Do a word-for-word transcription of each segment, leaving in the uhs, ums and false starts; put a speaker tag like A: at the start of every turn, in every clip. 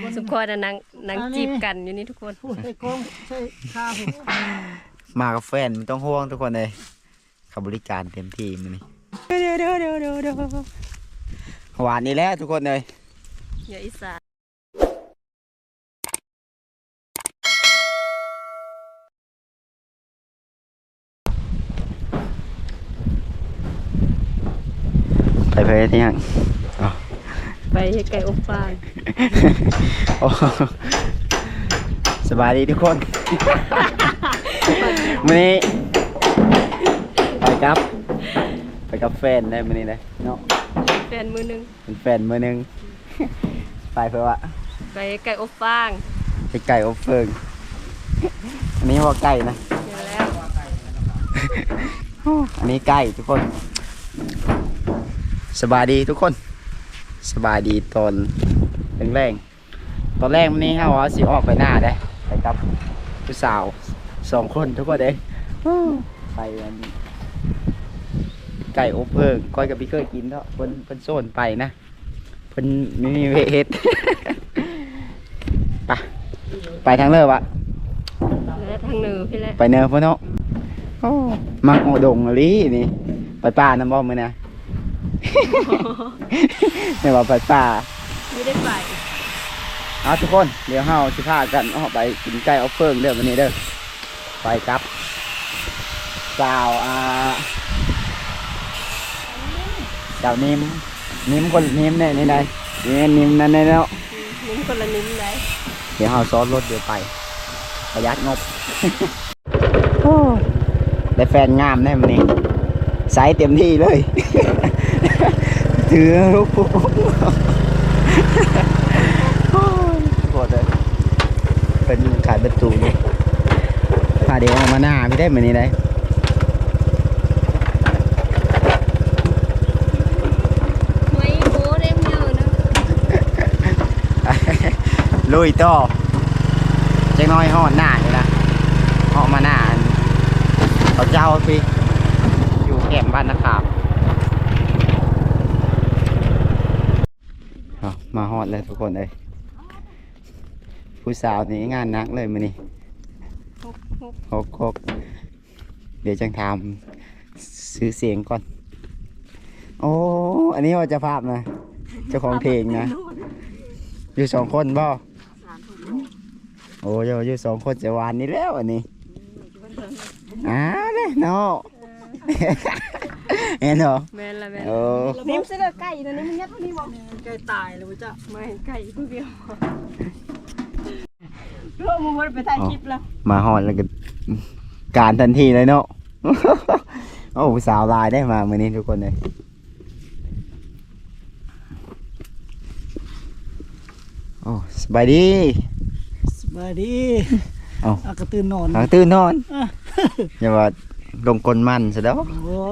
A: สุขคนนางนางจีบกันอยู่นี่ทุกคน
B: ใส่กล้องใส่ข้าว
C: มากับแฟนไม่ต้องห่วงทุกคนเลยเขาบริการเต็มที่มันนี่เดี๋ยวเดี๋ยวเดี๋ยวเดี๋ยวเดี๋ยวหวานนี่แหละทุกคนเลย
A: อย่าอิสา
C: ไปเพลที่ยัง
A: ไปให้ไก่อบฟาง
C: สบายดีทุกคนวันนี้ไปกับไปกับแฟนได้วันนี้เลยเนาะ
A: แฟนมือนึง
C: เป็นแฟนมือนึงไปเพื่อว่า
A: ไปไก่อบฟาง
C: ไปไก่อบเฟิงอันนี้ว่าไก่นะ
A: เดี๋ยวแล้ว
C: อันนี้ไก่ทุกคนสบายดีทุกคนสบายดีตอนแรงๆตอนแรกวันนี้ฮะว่าสิออกไปหน้าได้ไปกับผู้สาวสองคนทุกคนเด้ไปไก่อบเพิงก้อยกับพี่เคยกินเนาะเพิ่นเพิ่นโซนไปนะเพิ่นไม่มีเวทไปไปทางเลิศวะ
A: แล้วทางเหนือพี่แหละ
C: ไปเนินพ่อเนาะมักโอดงอะไรนี่ไปป่าน้ำบ่อมือนะไม่ว่าไปป่า
A: ไม่ได้ไป
C: เอาทุกคนเดี๋ยวเฮาสิพากันออกไปกินไก่อบเฟิงเด้อวันนี้เด้อไปครับสาวอ่าสาวนิ่มนิ่มคนนิ่มเนี่ยนี่ไงนี่นิ่มนั่นเนี่ยเนาะ
A: นิ่มคนละนิ่มเลย
C: เดี๋ยวเฮาซ้อนรถเดี๋ยวไปประหยัดงบได้แฟนงามแน่วันนี้ใส่เต็มที่เลยถือลูกโคตรเลยเป็นขายประตูนี่พาเดี๋ยวออกมาหน้าไม่ได้เหมือนนี้เลย
A: ไม่โบ้เร็มเยอะนะ
C: ลุยต่อเจ๊น้อยห่อหน้าเลยนะออกมาหน้าเขาเจ้าพี่อยู่แคมป์บ้านนะครับมาฮอดเลยทุกคนเลยผู้สาวนี่งานนักเลยมื้อนี้หกหกเดี๋ยวจังทำซื้อเสียงก่อนโอ้อันนี้ว่าจะภาพนะเจ้าของเพลงนะอยู่สองคนบ่โอ้ยอยู่สองคนจะวานนี้แล้วอันนี้อ้าเลยเนาะเห็นเหรอ
A: แม่ละแม่
C: โอ้
A: นิ่มเสือไก่นะนี่มันยัดนี่บอก
B: ไก่ตายเลยจ้ะ
A: ไม่ไก่ผู้เดียวร่วมมือไปถ่ายคลิปแล้ว
C: มาหอดแล้วก็การทันทีเลยเนาะโอ้สาวลายได้มาเมื่อนี้ทุกคนเลยโอ้สบายดี
B: สบายดี
C: เอา
B: กระตื่นนอน
C: ตื่นนอนอย่าว่าลงกลมันซะแล้ว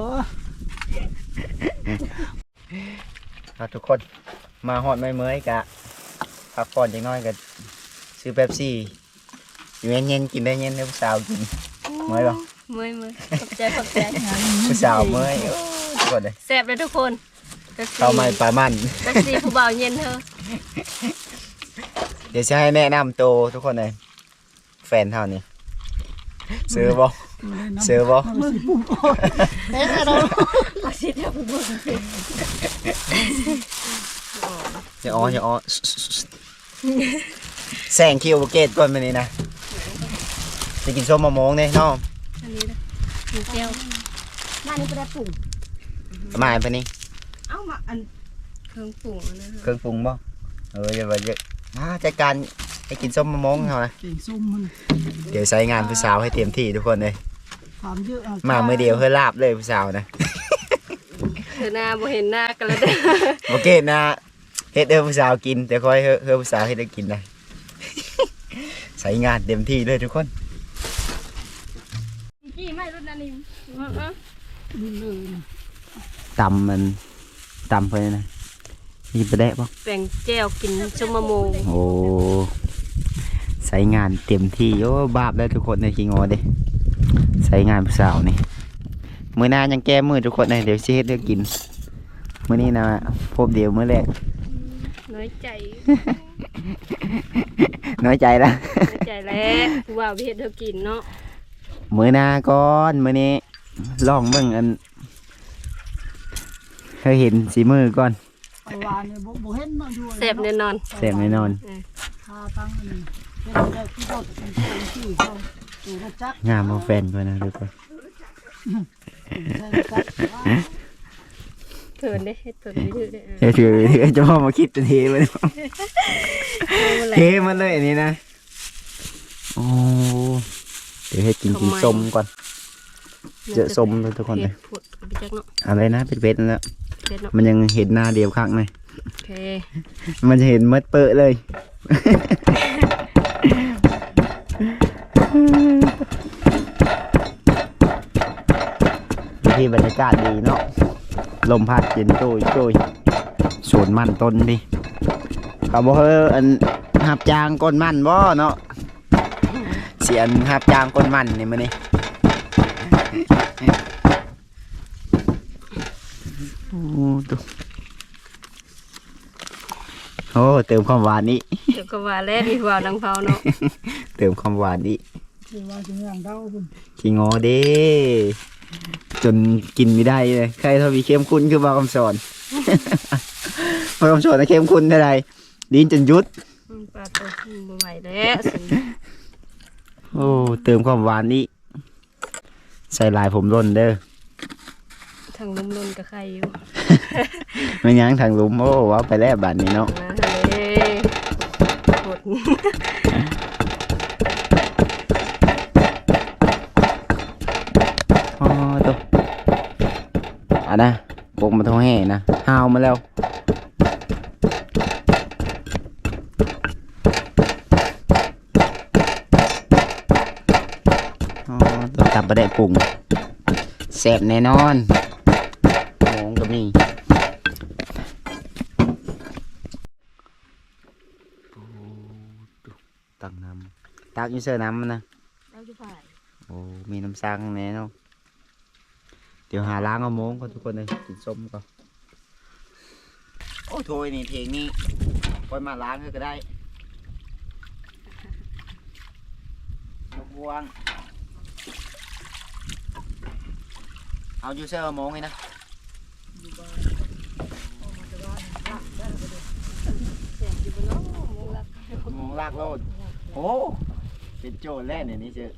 C: ทุกคนมาหอดไม่เมื่อยกะพักผ่อนจังน้อยกะซื้อเป๊ปซี่อยู่เย็นๆกินได้เย็นให้ผู้สาวกินเมื่อยป่ะ
A: เมื่อยเมื่อยขอบใจขอบใจ
C: ผู้สาวเมื่อยทุกคนเลย
A: แซ่บเลยทุกคน
C: เข้ามาปลามัน
A: เป๊ปซี่ผู้บ่าวเย็นเธอ
C: เดี๋ยวจะให้แนะนำโตทุกคนเลยแฟนเท่านี้ซื้อบ่ซื้อบ่
B: เอ๊ะเรา
A: อาชีพเดียวผู้บ่าว
C: จะอ้อจะอ้อแซงคิวเกตก่อนมานี่นะจะกินส้มมะม่วงเนี่ยน้อง
A: อันนี้นะกินเจียว
B: บ้านนี้ก็ได้ปรุง
C: มาอันนี้
A: เอามาอันเครื่องปรุงนะ
C: เครื่องปรุงบ่เออเยอะเยอะมาจัดการให้กินส้มมะม่วงเขานะเดี๋ยวใช้งานผู้สาวให้เต็มที่ทุกคนเลยมาเมื่อเดียวเพื่อลาบเลยผู้สาวนะ
A: เธอหน้าบ่เห็นหน้ากันแล้วเด้อ
C: โอเคนะเฮ็ดเด้อผู้สาวกินแต่คอยเฮ้อผู้สาวให้ได้กินนะใช้งานเต็มที่เลยทุกคน
A: กี่ไม่รุ่นนั้นนี่
C: ตำมันตำไปนะมีประเดะป่ะ
A: แป้งแจ่วกินส้มมะม่วง
C: โอ้ใช้งานเต็มที่โอ้บาปเลยทุกคนในกิงอเด้ใช้งานผู้สาวนี่มื้อหน้ายังแก้มือทุกคนเลยเดี๋ยวเช็ดเดี๋ยวกินมื้อนี้นะพบเดียวมื้อแรก
A: น้อยอยใจ
C: น้อยใจละ
A: น้อยใจแล้วผู้ว่าเฮ็ดเธอกินเนาะ
C: มื้อหน้าก่อนมื้อนี้ลองเบิ่งอันเคยเห็นสีมือก่อน
B: ไปวานนี่บ่บ่เห็นเนาะอยู่
A: แซ่บแน่นอน
C: แซ่บแน่นอน
B: พาตั้งอันนี้เป็นได้ที่รถเป็นที่เขาอยู่รถจักรง
C: ามเอาแฟนก่อนนะทุกคน
B: ใช่รถจักรว่า
A: เถินเด้เฮ็ดเถินวิธีเด้อ
C: เฮ้ยถือถือจะพ่อมาคิดจะเทเลยเทมันเลยอันนี้นะโอ้เดี๋ยวให้กินกินส้มก่อนเจอส้มเลยทุกคนเลย
A: พูดไปจักเนาะ
C: อะไรนะเป็นเวทนั่นแหละ
A: เฮ็ดเนาะ
C: มันยังเห็นหน้าเดียวข้างเลย
A: โอเค
C: มันจะเห็นมัดเปอะเลย ที่บรรยากาศดีเนาะลมพัดเย็นโจ้ยโจ้ยสวนมันต้นดิเขาบอกเฮ้อันหับจางก้นมันบ่เนาะเสียนหับจางก้นมันนี่มันนี่โอ้ดูโอ้เติมความหวานนี้
A: เดี๋ยวก็ว่าแล้วมีว่าดังเผาเนาะ
C: เติมความหวานนี้
B: คือว่าจะอย่างเดาคุณ
C: ขี้งอเด้จนกินไม่ได้เลยใครทวีเข้มข้นคือบางคำสอน บางคำสอนนะเข้มข้นเท่าไรลิ้นจนยุด
A: อืมปลาตัวบ่ไหวแล้วสิ
C: โอ้เติมความหวานนี้ใส่ลายผมร่นเด้อ
A: ทางลมลนกับใครอยู่
C: ไม่ยั้งทางหลุมโอ้ว้าไปแล้วบาดนี้เนาะ
A: มาเลยหด
C: อ๋อตัวอ่ะนะบกมาท้องแห่นะห้าวมาแล้วอ๋อตัวตับประเดะปรุงแซ่บแน่นอนหมองก็มีตักน้ำตักอยูเซอร์น้ำมันนะ
A: เราจะฝ่าย
C: โอ้ มีน้ำซังแน่เนาะเดี๋ยวหาล้างเอาโม้งก่อนทุกคนเลยกินส้มก่อน โอ้โถยนี่เทงนี่ปล่อยมาล้างก็ได้ยกวางเอายูเซอร์เอาโม้งเลยนะโม้งลากโลดโอ้เป็นโจรแรกเนี่ยนี่เจอ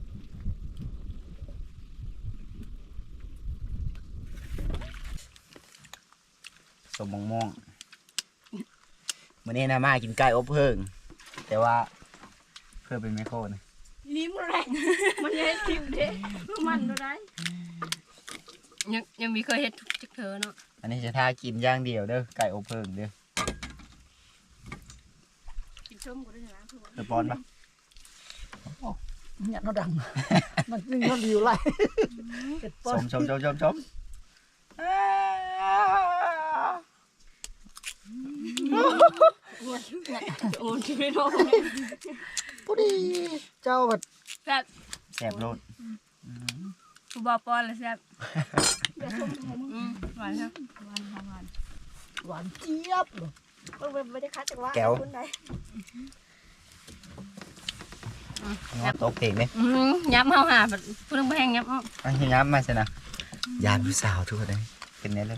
C: สมมองม่วงวันนี้นะมากินไก่อบเพิ่งแต่ว่าเพื่อเป็นไมโครนะ
A: ลิ้มแรงมันยังทิมเด้มันดูได้ยังยังมีเคยเฮ็ดจักเธอเนาะ
C: อันนี้จะท่ากินอย่างเดียวเด้อไก่อบเพิ่งเด้อ
A: กินส้มก็ได้นะ
C: เดือปอนปะ
B: เนี่ยnó đằngมันนึงnó liều lại
C: ชมชมชมชมชม
A: โอ้ชีวิตโอ้
B: พอดีเจ้าแบบ
A: แซ่บ
C: แสบโลด
A: ผู้บ่าวป้อนเลยแซ่บอืมหวานครับหวานหวาน
B: หวานเจี๊ยบเลย
A: ไม่ได้คัดจากว่า
C: แก้วงอตกเพลงเนี่ย
A: อืมย้ำเฮาหาแบบพูดเรื่องแห้งย้ำเอา
C: อันนี้ย้ำมาสินะยานผู้สาวทุกคนเลยเป็นไงเลย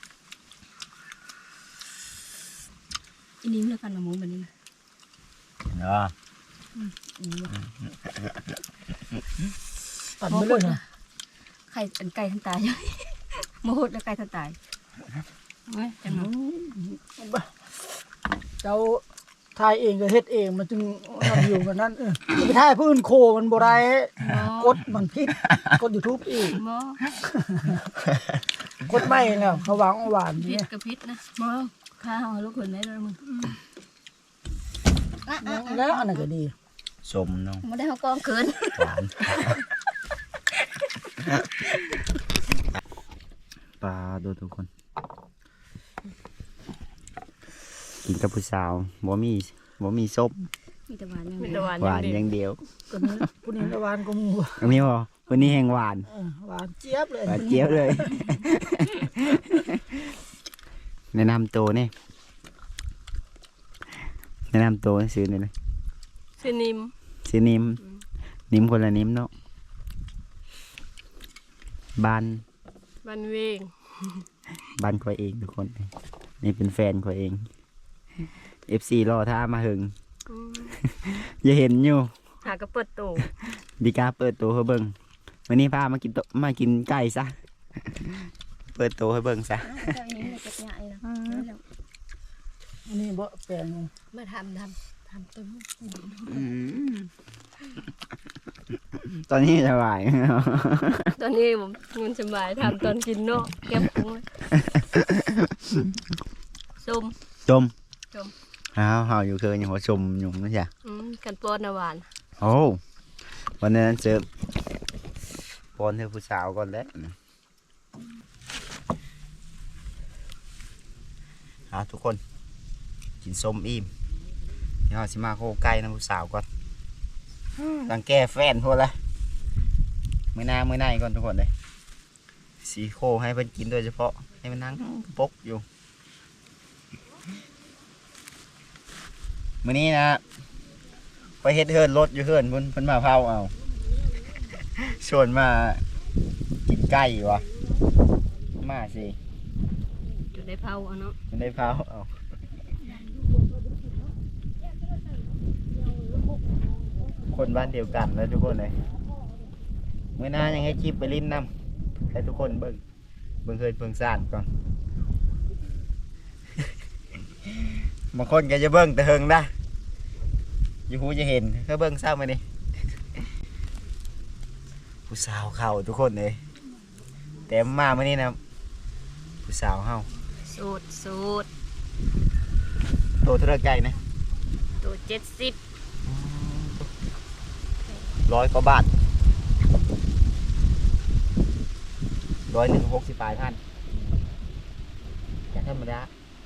A: อีนี้แล้วกันมาหมูแบบนี้นะ
C: เนาะ
B: ปั่นไม่เลยนะ
A: ไข่อันไก่ทันตายโมโหดแล้วไก่ทันตายเว้ยจังหวะ
B: เจ้าทายเองก็เฮ็ดเองมันจึงทำอยู่แบบนั้นเออไปทายผู้อื่นโคมันบ่ได้กดมันพิษกด YouTube อีก
A: บ่
B: กดไม่แล้วเขาวางเอาหวาน
A: พิษ
B: เนี่ย
A: กับพิษนะบ่ข้าเฮาลูกคนได้เลยมึง
B: แล้วอันนั้นก็ดี
C: สมเนาะ
A: บ่ได้เฮากองเกิน
C: หวานปลาดูทุกคนกินกับผู้สาวบ่มีบ่มีส้ม
A: มีแต่หวานอย่างเดียว
C: หวานอย่างเดียว
B: ก็นี้ผู้นี้หวานก็มู
C: อันนี้บ่วันนี้แห้งหวาน
B: เออหวานเจี๊ยบเลย
C: หวานเจี๊ยบเลย แนะนำตัวนี่แนะนำตัวซื้อหน่อยเลย
A: ชื่อนิม
C: ซื้อนิมนิมคนละนิมเนาะบ้าน
A: บันเวง
C: บ้านคอยเองทุกคนนี่เป็นแฟนคอยเอง เอฟ ซี รอท่ามาหึง
A: อืม
C: อย่าเห็นอยู่
A: หากระเปิดตู้
C: ดีกาเปิดตัวให้เบิ่งวันนี้พามากินโตมากินไก่ซะ เปิดตัวให้เบิ่งซะ
A: เจ้านี้เลยจะใหญ่นะ
B: อันนี้บ่แปลง
A: มาทำทำทำต้น
C: ตอนนี้สบาย
A: ตอนนี้ผมเงินสบายทำตอนกินเนาะแก้มปุ้งส้ม
C: ชม
A: ชม
C: อ้าวเฮาอยู่เคยอย่างหัวชมอยู่นั่นจ้ะ
A: อืมกันป้อนนะหวาน
C: โอ้วันนั้นเจอปอนเธอผู้สาวก่อนแล้วเอาทุกคนกินส้มอิ่มเดี๋ยวเราสิมาโคไก่นะผู้สาวก่อนตั้งแก้แฟนพวกละมือหน้ามือหน้าก่อนทุกคนเลยสีโคให้เพิ่นกินโดยเฉพาะให้มันนั่งปกอยู่มื้อนี้นะไปเฮ็ดเฮิร์นรถอยู่เฮิร์นเพิ่นเพิ่นมาเผาเอาชวนมากินไก่วะมาสิ
A: จุดได้เผาเอาเนาะ
C: มันได้เผาเอาคนบ้านเดียวกันแล้วทุกคนเลยเมื่อหน้ายังให้คลิปไปลิ้นนำให้ทุกคนเบิ่งเบิ่งเคยเบิ่งซ่านก่อน บางคนก็จะเบิ่งแต่เฮิงนะอยู่หูจะเห็นก็เบิ่งเศร้ามาดิผู้สาวเข่าทุกคนเลยแต่มาเมื่อนี้นะผู้สาวเฮา
A: สูตรสูตร
C: โตเท่าไรไก่นะ
A: ตัวเจ็ดสิบ
C: ร้อยกว่าบาทร้อยหนึ่งหกสิบปลายท่านแต่ธรรมดา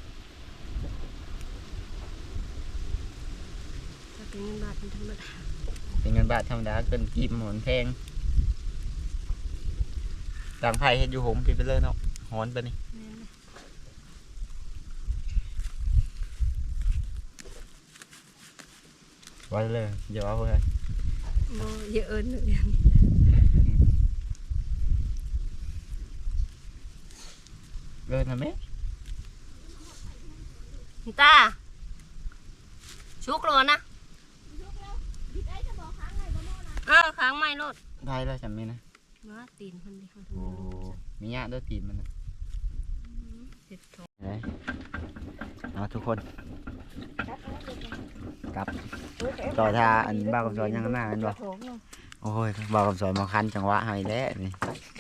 A: ถ้าเป็นเงินบาทเป็นธรรมดา
C: เป็นเงินบาทธรรมดาเกินกีบหมอนแพงต่างไผ่เฮ็ดอยู่หงพี่ไปเลยเนาะหอนไปนี่ไว้เลยเดี๋ยวเอาไป
A: โมเยอะเอิญเลย
C: เลยนะแม่
A: ตาชุกโลนะเออค้างไม่รถ
C: ได้แล้วจำมีนะ
A: ว่าตีนคนดีคน
C: โอ้มีญาติด้วยตีนมันนะ
A: เจ็ดทอง
C: ไหนเอาทุกคนกลับต่อท่าอันบ้ากับซอยยังหน้าอันบ่โอ้ยบ้ากับซอยมาคันจังหวะให้แล้วนี่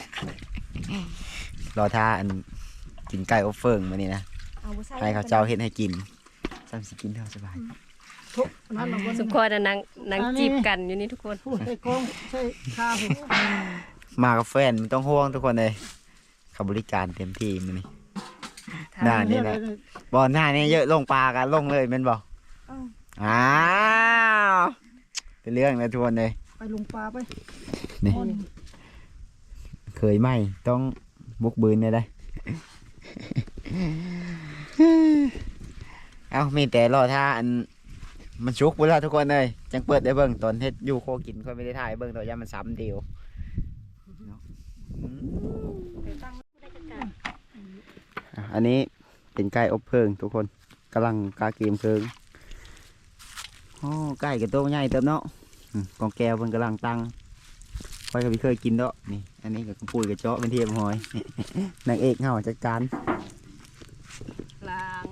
C: รอท่าอันกินไก่อบเฟิงมานี่นะให้เขาเจ้าเฮ็ดให้กินซ้ำสิกินเท่าสบาย
B: ทุกนั่นน่ะบ่
A: สุขคอยนะนางนางจีบกันอยู่นี่ทุกคน
B: พูดใส่กล้องใส่ข้าว
C: มากับแฟนไม่ต้องห่วงทุกคนเลยเขาบริการเต็มที่มันนี่หน้านี่แหละบอลหน้านี่เยอะลงปลากันลงเลยแมันบอกอ้าวเป็นเรื่องเลยทุกคนเลย
B: ไปลงปลาไป
C: นี่เคยไหมต้องบุกบืนเลยได้ เอามีแต่รอท่าอันมันชุกเวลาทุกคนเลยจังเปิดได้เบิ่งตอนเฮ็ดอยู่โคกินค่อยไม่ได้ถ่ายเบิ่งตัวยามันซ้ำเดียวอันนี้เป็นไก่อบเพลิงทุกคนกำลังกาเกมเพลิงโอ้ไก่กับตัวใหญ่เติมเนาะกองแก้วมันกำลังตั้งค่อยก็ไม่เคยกินเนาะนี่อันนี้กับปุ้ยกับเจาะเป็นเทียมหอย นางเอกเฮาจัดการ
A: กลาง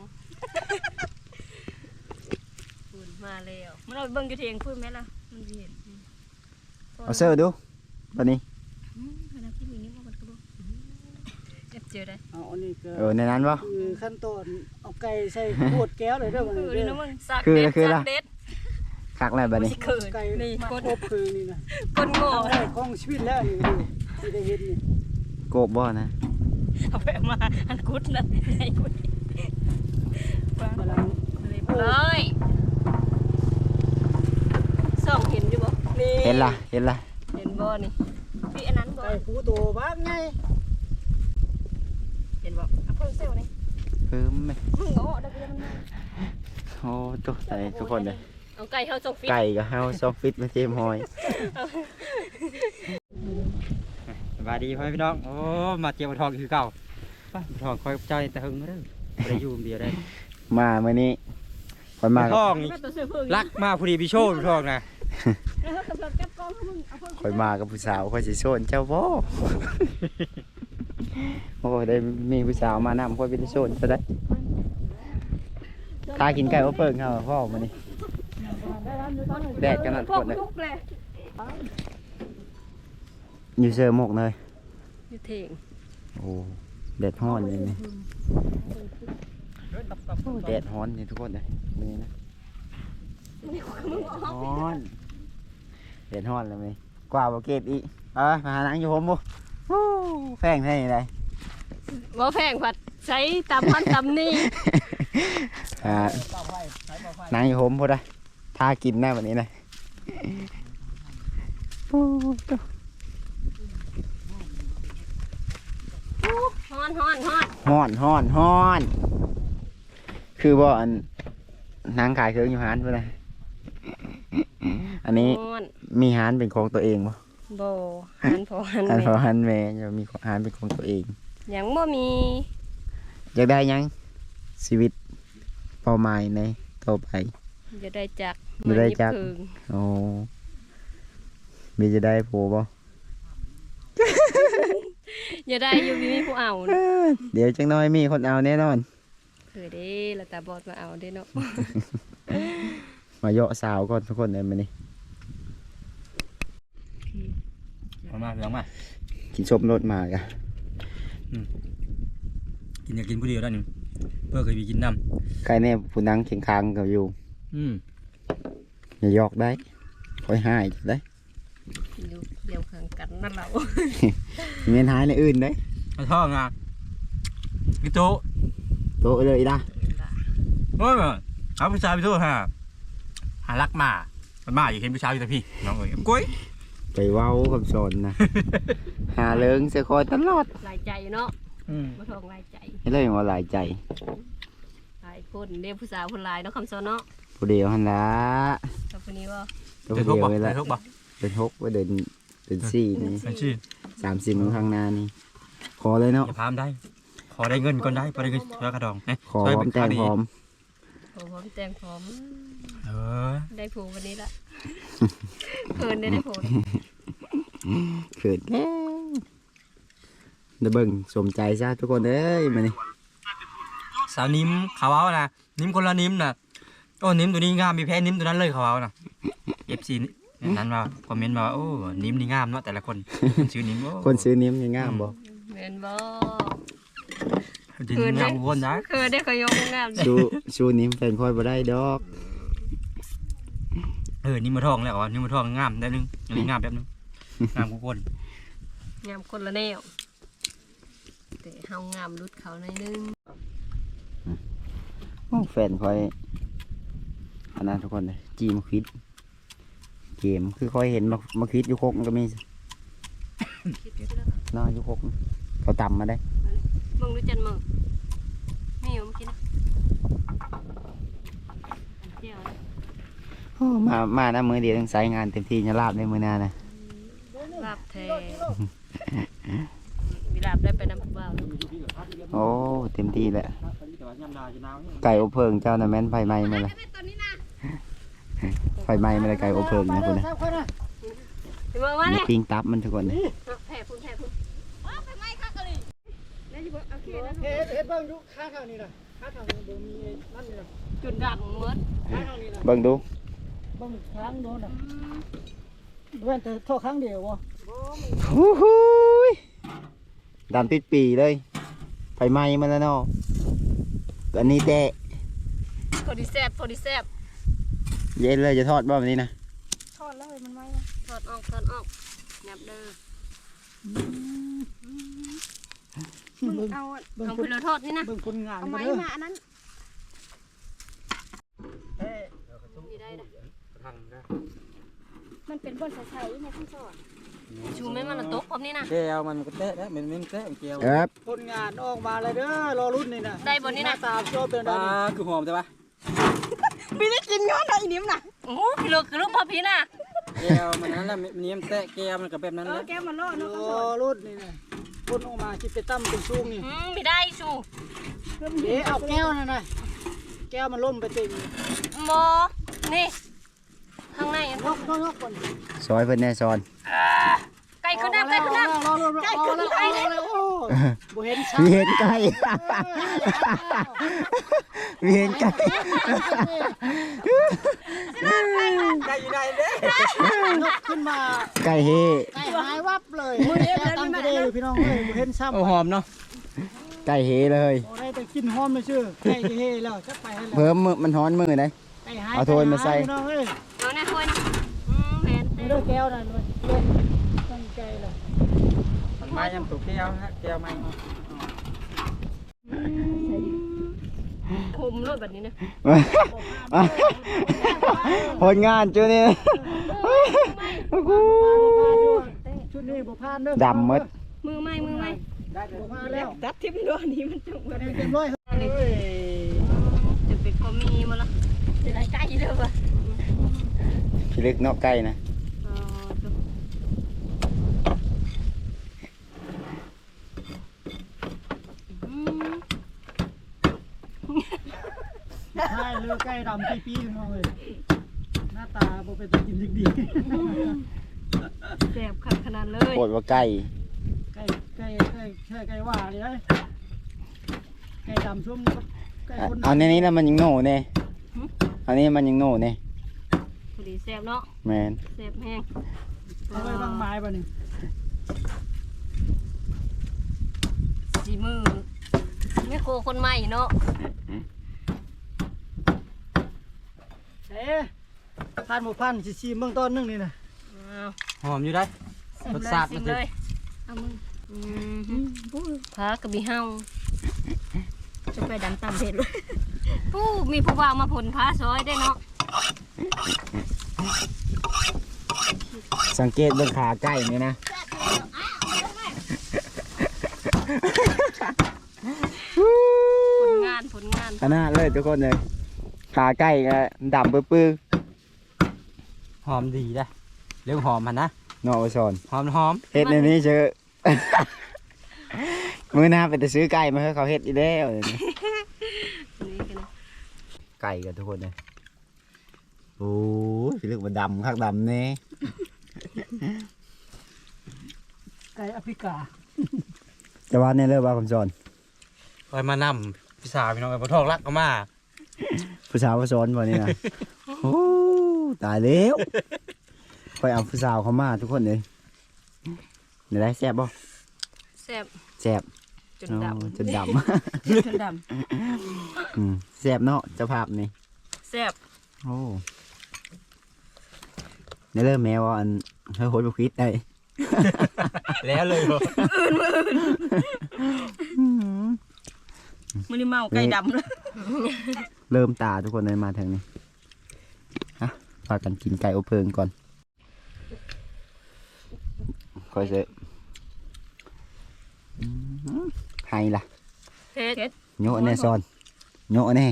A: ฝุ่นมาแล้วมันเอาเบิ่งอยู่เทียงพูดไหมล่ะมันเห็น
C: เอาเสื้อดูตอนนี้
A: ขณะที่มีนี่มันก็บอกเจ็บเจอได้
B: เอาอันนี้ก็
C: เออในนั้นวะ
B: คือขั้นตอนเอาไก่ใส่ขวดแก้วเลยเด้อมัน
A: คือ
B: เด้
A: นี่
B: อ
A: นะมึงสัก
C: คือ
A: เด็ด
C: คือ
A: สั
C: ละ
A: กเด็ด
C: คักอะไรแบบนี้
A: เขิน
B: ไก่
A: นี่
B: มา
A: คน
B: ครบคือนี่นะ
A: คนโง่
B: ทำได้ของชีวิตแล้วนี่ที่ได้เห็นนี่
C: โกบบ่นะ
A: เอาไปมาอันกุดนะไอ้กุด
B: กำลัง
A: เลยส่องเห็นอยู่บ่นี่
C: เห็นละเห็นละ
A: เห็นบ่นี่พี่อันนั้นบ่
B: ไก่ผู้โตบ้างไง
A: เห็นบ่เอาเพิ่มเซลล์นี่
C: เพิ่มไหม
A: มึงโง่ได้ไปมันมา
C: โอ้ตุ๊กใจทุกคนเลย
A: เอาไก่เฮาส่งฟิต
C: ไก่กับเฮาซอฟฟิตมาเจมหอยสบายดีพ่อพี่น้องโอ้มาเจียวทองคือเก่าป้าทองคอยใจแต่หึงเด้อได้อยู่เดียวได้มาเมื่อนี้คอยมาทองรักมาพอดีพี่โชว์ทองนะคอยมากับผู้สาวคอยสิโซนเจ้าบ่โอ้ได้มีผู้สาวมานำคอยเป็นโซนซะได้ถ้ากินไก่ก็เปิงเขาพ่อมานี่แดดกันหนักคนเลยอยู่เซอร์หมกเลย
A: อยู่เถง
C: โอ้แดดฮ้อนเลยนี่แดดฮ้อนนี่ทุกคนเลยนี่นะฮ้อนแดดฮ้อนเลยไหมกว่าบาเก็บอีกเออมาหาหนังอยู่ผมบุแพงเท่าไหร่เลย
A: บ่แพงผัดใช้ตำมันตำนี่
C: อ่าหนังอยู่ผมพอได้ถ้ากินแน่แบบนี้นะโอ้ตัว
A: ฮ้อนฮ้อนฮ้อน
C: ฮ้อนฮ้อนฮ้อน คือบ่อันนางขายเครื่องอยู่ฮานเพื่อนนะอันนี้
A: ฮ้อน
C: มีฮานเป็นของตัวเองบ่
A: บ่หันพอหัน
C: อัน
A: แม่
C: พอฮันแม่จะมีฮานเป็นของตัวเอง
A: ยังบ่มี
C: อยากได้หยังชีวิตเป้าหมายในต่อไป
A: จะได้จัก
C: จะได้จัก
A: เหมือนยิบผึ่ง
C: โอ้มีจะได้โผบ่
A: อย่าได้อยู่มีผู้เอา
C: เอ้อเดี๋ยวจังน้อยมีคนเอาแน่นอน
A: เคือเด้แล้วตาบอดมาเอาเด้เนาะ
C: มาเยาะสาวก่อนทุกคนเลยมานี่
D: มามาเพียงมา
C: กินชมรถมากะ
D: กินอยากกินผู้เดียวได้นี่เพื่อเคยมีกินน้
C: ใครเนี่ยผู้นั่งเคียงคางกับอยู่
D: ำอืม
C: อย่าหยอกได้คอยหายจะได้
A: อยู่เดียวข้างกันนั่นเรา
C: เมียนหายในอื่นได้
D: ไอ้ท่องอ่ะพี่โต
C: โตะเลยด่ะ
D: โอ้ยหาผู้ชายพี่โตฮะหารักมามันมาอยู่เห็นผู้ชายอยู่แต่พี่น้องเอ้ยกุ้ย
C: ไปเว้ากับสนนะ หาเลิงเสียคอยตลอด
A: หลายใจเนาะ
D: อืม
A: บ่ทองหลายใจ
C: ให้เลยว่าหลายใจ
A: หลายคนเด้ผู้สาวคนหลายเนาะคำสอนเนาะ
C: ผู้เดียวหันละ
A: กับคนนี้ว่า
C: ตัว
D: เดิน
C: ผู้
D: ทุก
C: เดียว
D: บ่
C: เลย
D: เดิ
C: ละ
D: นทุกบ่
C: เดินหกว่าเดินเดินสี่นี่
D: เป็นชื่อ
C: สามสิบมื้อข้างหน้านี่ขอเลยเนาะ
D: อย่าพามได้ ขอได้เงินก่อนได้พอได้เงินแล้วกระดองเอ้ย
C: ขอ
D: ช่วย
C: พร้อ
D: เป็
C: ม
D: น
C: แต่
D: ข้าง วดี
C: พร้อม
A: โอ้พร้อมแต่งพร้อม
D: เออ
A: ได้ผูวันนี้ละเพิ่นได้ได้ผู
C: เขินแก่เดี๋ยวเบิ่งสมใจซะทุกคนเอ้ยมานี่
D: สาวนิ้มเขาเอานะนิ้มคนละนิ้มนะโอ้นิ้มตัวนี้งามมีแพ้นิ้มตัวนั้นเลยเขาเอานะเอฟซีนั้นมาคอมเมนต์มาว่าโอ้นิ้มนี่งามเนาะแต่ละคนชื่อนิ้มโอ้
C: คนซื้อนิ้มยังงามบ่
A: แม่นบ่
D: จริงงามคนนะ
A: เคยได้เคยยกงาม
C: ชูชูนิ้มแฟนคอยบ่ได้ดอก
D: เออนิ้มมาทองแล้วอ่ะนิ้มมาทองงามได้นึงอันนี้งามแบบนึงงามทุกคน
A: งามคนละแนวแต่เฮางามรุดเขาหน่อยนึง
C: โอ้แฟนคอยอันนั้นทุกคนเลยจีมาคิดเกมคือคอยเห็นมามาคิดอยู่โคกมันก็มี
A: คิดอยู่แล้ว
C: เนาะอยู่โคกเขาต่ำมาได้
A: มึงรู้จันมึงมีอยู่เมื่อกี้นะเจียวนะ
C: โอ้มามานะมือเดียวต้องใช้งานเต็มที่จะลาบในมือหน้านะ
A: ลาบแทมีลาบได้ไปน้ำผู้บ่าว
C: โอ้เต็มที่แหละไก่อบเพิงเจ้าน่ะแม่นไฟไหม้มาเลยไฟไหม้มาเลยไก่อบเพิงนะคุณนะ
A: ถึงมาว่า
C: มี
A: เนี่ย
C: ปิ้งตับมันทุกคนเลย
A: แผ่พุ่นแผ่พุ่นไปไหมข้ากะลีแล้วจะบอกโอเคนะ
B: เฮ็ดเฮ็ดเบิ่งดูข้างทางนี้น่ะข้างทางนี้บ่มีนั่นนี่น่ะ
A: จุดดังเมื่อ
B: ข้างทางนี้น่ะ
C: เบิ่งดู
B: เบิ่งข้างโน้นน่ะเว้นแต่โทษครั้งเดียวบ่
C: ฮู้ฮู้ยดำติดปีเลยไฟไหม้มาแล้วเนาะอันนี้แต่
A: พอดีแซบพอดีแซบ
C: เย็นเลยจะทอดบ่แบบนี้นะ
A: ทอดแล้วมันไหมทอดออกทอดออกยับเด้อ
B: เบิ่ง
A: เอาเอาไปเลยทอดนี่นะ
B: เบิ่งผลงาน
A: เอา
B: นี่
A: ไม้
B: เด้อ
A: มาอันนั้น
B: เอ้ย
A: มีได้นะ
E: มันเป็นบนใสๆในขั้นสอน
A: ชูไม่มันตกพร้อมนี่นะ
D: แก้วมันก็เตะแล้วมันมันเตะแก้ว
C: ครับ
B: ผลงานออกมาเลยเด้อรอรุ่นนี่น่ะ
A: ได้บนนี่นะ
B: หาตามโจเป็น
D: ป
B: ได้
D: ลา
B: นี่
D: คือหอมใช่ปะ
B: พี่ได้กินย้อนไอ้นิ่มน่ะ
A: โอ้พี่ลูกลูกพ่อพี่น่ะ
D: แก้วมันนั้นแหละนิ่มแตะแก้วมันก็แบบนั้น
A: เอ
D: แห
A: อ
D: ละ
A: แกมาล่อ
B: โอ้
A: เนาะก็สอน
B: รุ่นนี่นะรุ่นออกมาคิดไปตั้มเป็นซูงนี่
A: อืมไม่ได้ชู
B: เดี๋ยวเอาแก้วนั่นน่ะแก้วมันล่มไปเต็ม
A: โมนี่ข้างในอัน
B: นกนกนกก่อน
C: ซอยเพิ่นแน่ซอน
A: ไก่ขึ้นน้ำไก่ขึ้นน้ำ
B: รอรอรอรอรอรอโอ้บ่เห็นชัด
C: มีเห็นไก่มีเห็นไก่
D: ได้อยู่ได้เด้
B: นกขึ้นมา
C: ไก่เฮ
B: ไก่หายวับเลยมือเอฟตั้งไปได้เลยพี่น้องเลยบ่เห็นซ้ำ
D: โอ้หอมเนาะ
C: ไก่เฮเลย
B: โอ้ได้แต่กินหอมเลยชื่อไก่เฮ่แล้วจะไปให้แล้ว
C: เพิ่มมือมันฮ้อนมือไหน
B: ไก่หาย
C: เอาโทนมาใส่
B: พี่น้องเอ้ย
A: เอาแน่คนอืมเห็น
B: ไม่ได้แก้วนั่นเลยลงตั้งใจเลย
D: มันมายังตกแก้วฮะแก้วไม่
A: คุมรถแบบนี้นะ
C: ผลงานจุนี่
B: ชุดนี้บ่พลาดเด้อ
C: ดำหมด
A: มือไม่มือไม่
B: ได้บ่พลาดแล้ว
A: ดัดทิพย์ด้วยนี้มันจังหวะ
B: เต็มร้อยเฮ้ย
A: จะเป็นก็มีมาละจะได้ใกล้เด้อวะ
C: พิลึกเนอกไก่นะ
A: อ๋อ
B: ใช่เลือไก่ดำปีปีพี่น้องเอ้ยหน้าตาบ่เป็นตากินดีดี
A: แซ่บขนาดเลย
C: โคตรว่าไก่
B: ไก่ไก่ไก่ไก่ไก่ว่าเลยนะไก่ดำชุ่มกับไก่คน
C: เอาในนี้แล้วมันยังโหน่เนี่ยอันนี้มันยังโหน่เนี่ย
A: พอดีแซ่บเนาะ
C: แมน
A: แซ่บแห้ง
B: เอาไว้บางไม้ป่ะนี่
A: สีมือไม่โคคนใหม่เนาะ
B: เอ๊ะพันหมู่พันสิซีเมืองต้นนึงนี่นะ
D: หอมอยู่ได้
A: ซิม
D: รส
A: เลย
D: ชาติ
A: ซิ
D: มัน
A: ม
D: จะ
A: เลยเอามึงอืมพากระบี่เฮาจะไปดำตามเผ็ดเลยผู้มีผู้บ่าวมาผลพาซอยได้เนาะ
C: สังเกตเบื้องขาไก่นี่นะ
A: ผลงานผลงาน
C: ขนาดเลยทุกคนเลยขาไก่ก็ดำปื้อ
D: หอมดีได้เรื่องหอมมันนะ
C: ๆเนอซอน
D: หอมหอม
C: เฮ็ดในนี้เชอะ มื้อหน้าไปแต่ซื้อไก่มาให้เขาเฮ็ดอีแล้วเดี๋ยวนี้
A: นี่กันนะ
C: ไก่กันทุกคนเลยโอ้ยเรื่องมันดำคักดำเนี่ย
B: ไก่แอฟริกา
C: จะว่าเนี่ยเลิกว่าคำสอน
D: คอยมานำพี่สาวพี่น้องไอ้ปทองรักก็มา
C: ผู้สาวผู้สอนบ่นี่นะ โอ้ตายแล้วไปเอาผู้สาวเขามาทุกคนเลยเดี๋ยวได้แซ่บบ่
A: แซ่บ
C: แซ่บ
A: จน
C: โอ้
A: ดำ
C: จนด
A: จนด
C: ำ อืมแซ่บเนาะเจ้าภาพนี่
A: ำแซ่บ
C: โอ้ในเริ่มแมวว่าอันเฮ้ยโหดบุคิดได้
D: แล้วเลยบ่
A: มันนี่เมาไก่ดำเลย
C: เริ่มตาทุกคนเลยมาทางนี้ฮะพากันกินไก่อบเพลิงก่อนคอยเสะไฮล่ะ
A: เผ็ด
C: โยะแน่ซอนโยะแน่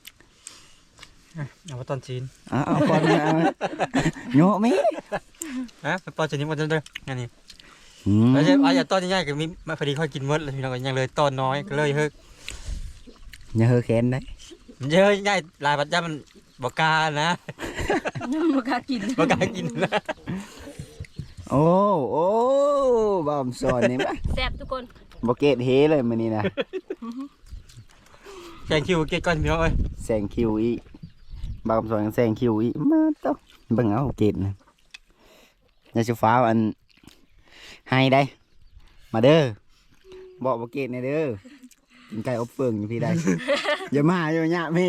D: เอาไปตอนจีน
C: เอ้าวก่อนเอาโยะมิ
D: ฮะไปตอนจีนมันจะเด้ออันนี้
C: อืม
D: แล้วจะอาจจะตอนใหญ่ๆก็มีมาพอดีค่อยกินหมดเลยพี่น้องก็ยังเลยตอนน้อยก็เลยเฮ้ย
C: อย่าเฮอแค้นได้
D: มันเยอะใหญ่หลายปัจจัยมันบ่กล้านะ
A: บ่กล้ากิน
D: บ่กล้ากินนะ
C: โอ้โอ้บอมสอนนี่ปะ
A: แซ่บทุกคน
C: บเกตเฮเลยมันนี่นะ
D: แกงคิวเกตก่อนพี่น้องเอ้ย
C: แซงคิวอีบอมสอนแซงคิวอีมาต้องเบิ่งเอาเกตนะยาชูฟ้าอันให้ได้ มาเด้อบอกบเกตในเด้อกินไก่อบเฟืองอยู่พี่ได้ อย่ามาอย่าหยะพี่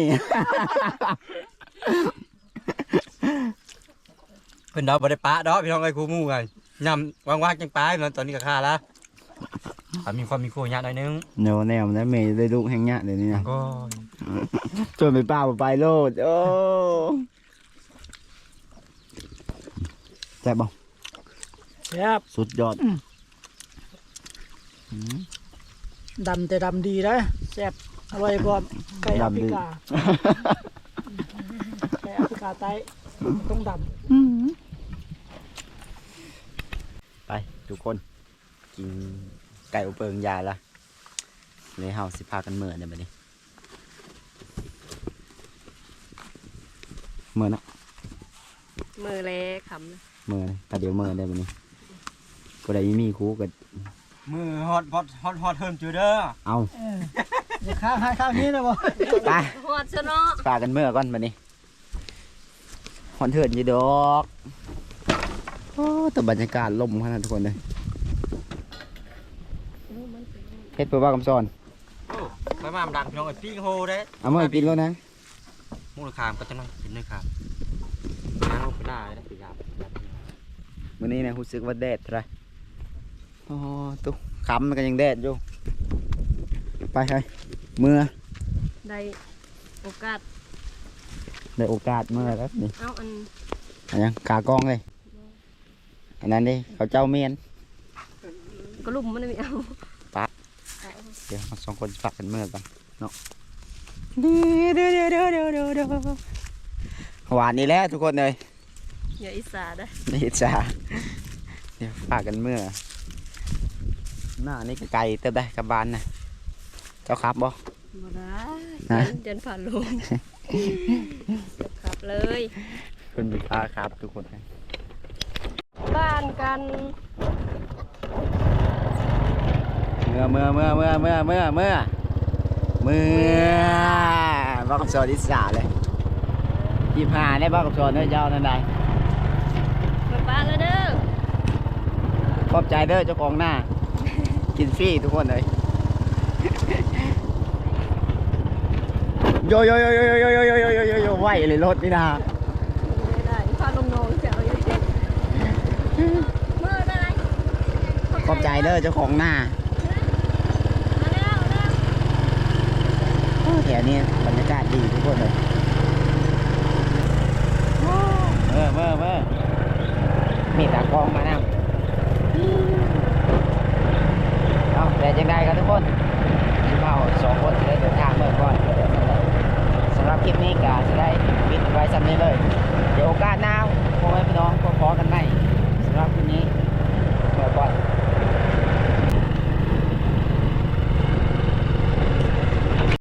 D: เพิ่นดอกบ่ได้ปะดอกพี่น้องเอ้ยครูหมู่ไงยำว่างๆจังปลาพี่น้องตอนนี้ก็ค่าละถ้ามีความมีครูยะหน่อยนึง
C: โนแนวนะเมย์ได้ลูกแห้งหยะเดี๋ยวนี้นะ
D: ก็
C: ชวนไปป้าไปโลดโอ้แซ่บบ่
B: แซ่บ
C: สุดยอด
B: ดำแต่ดำดีนะแซ่บอร่อยกว่าไก่แอฟริกาาไตต้องด
C: ไปทุกคนกินไก่อบเปิงยายละเลยเฮาสิพากันเมื่อเนี่ยบัดนี้เมื่อนะ
A: มือเล็กคำนะ
C: เมื่อนะแต่เดี๋ยวเมื่อได้บัดนี้ก็ได้มีครูกัน
D: มือฮอตฮอตฮอตฮอตเทิมจูเด้อ
C: เอา
B: ำเอออย่าข้างให้ข้างนี้นะบ่
C: ไป
A: หอดซะเนาะ
C: พากันเมื่อก่อนบัดนี้หอนเถิดอยี่ดอกโอ้แต่บรรยากาศลมขนาดทุกคนเลยเฮ็ดเพื่อว่ากำซอน
D: โอ้ไปมาดังพี่น้องไอ้ปิ้งโฮได้
C: เอาเมื่อกินแล้วนะ
D: มูลค่าก็จะน้อยกินด้วยครับน้ำลงไปได้นะพี่ครับ
C: วันนี้นะรู้สึกว่าแดดเท่าไหรอ๋อตุ๊กคำมันก็ยังแดดอยู่ไปไปเมื่อ
A: ได้โอกาส
C: ได้โอกาสเมื่อแล้วนี่
A: เอาอัน
C: อันยังขากองเลยอันนั้นดิเขาเจ้าเมียน
A: กระลุ่มมันไม่เอา
C: เดี๋ยวเราสองคนฝากกันเมื่อกันเนาะเดี๋ยวเดี๋ยวเดี๋ยวเดี๋ยวเดี๋ยวเดี๋ยวหวานนี่แหละทุกคนเลย
A: อย่าอิสาได้
C: นี่จ้าเดี๋ยวฝากกันเมื่อหน้านี่ก็ไกลเติบได้กับบานนะเจ้าครับบ่
A: บ่ได้
C: ฮะ
A: เดินผ่านลมขับเลย
C: คุณบิพาครับทุกคนนะ
A: บ้านกัน
C: เมื่อเมื่อเมื่อเมื่อเมื่อเมื่อเมื่อเมื่อบ้ากับโซนอิสาเลยยี่ห้าได้บ้ากับโซนเด้อเจ้านั่นใด
A: มาป้าแล้วเด้อ
C: ขอบใจเด้อเจ้าของหน้า กินฟรีทุกคนเลยโยโยโยโยโยโยโยโยโยโยโยไหวเลยรถนี่นะ
A: ไม่ได้พาลงนองเจ้าอยู่ดิเมื่อได้
C: ขอบใจเด้อเจ้าของหน้า
A: มาแล้วแล้ว
C: โอ้แถวนี้บรรยากาศดีทุกคนเลยเมื่อเมื่อเมื่อมีตากล้องมานั่งเอาแต่จังใดกันทุกคนที่เราสองคนจะได้เดินทางเมื่อก่อนสำหรับคลิปนี้ก็จะได้ปิดไว้สำนี้เลย